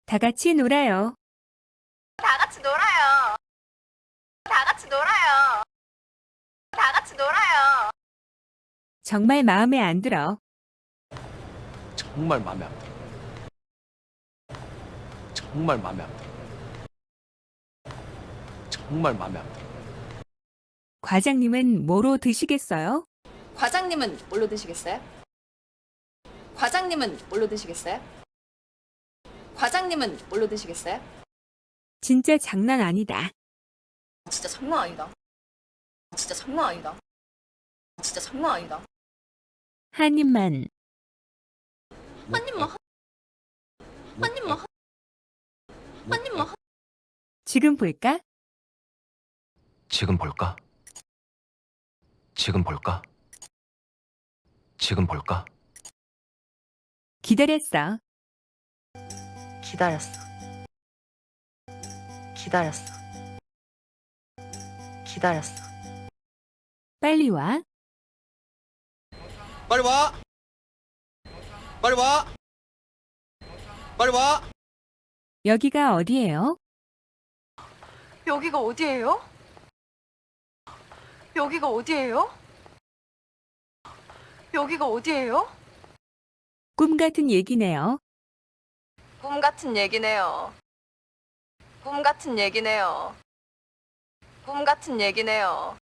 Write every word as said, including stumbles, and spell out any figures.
다 같이 놀아요. 다 같이 놀아요. 다 같이 놀아요. 다 같이 놀아요. 정말 마음에 안 들어. 정말 마음에 안 들어. 정말 마음에 안 들어. 정말 마음에 안 들어. 과장님은 뭐로 드시겠어요? 과장님은 뭘로 드시겠어요? 과장님은 뭘로 드시겠어요? 과장님은 뭘로 드시겠어요? 진짜 장난 아니다. 진짜 장난 아니다. 진짜 장난 아니다. 진짜 장난 아니다. 한 입만. 한 입만 한, 한 입만 한, 한 입만 한. 지금 볼까? 지금 볼까? 지금 볼까? 지금 볼까? 기다렸어. 기다렸어. 기다렸어. 기다렸어. 빨리 와. 빨리 와! 빨리 와! 빨리 와! 여기가 어디예요? 여기가 어디예요? 여기가 어디예요? 여기가 어디예요? 꿈 같은 얘기네요. 꿈 같은 얘기네요. 꿈 같은 얘기네요. 꿈 같은 얘기네요.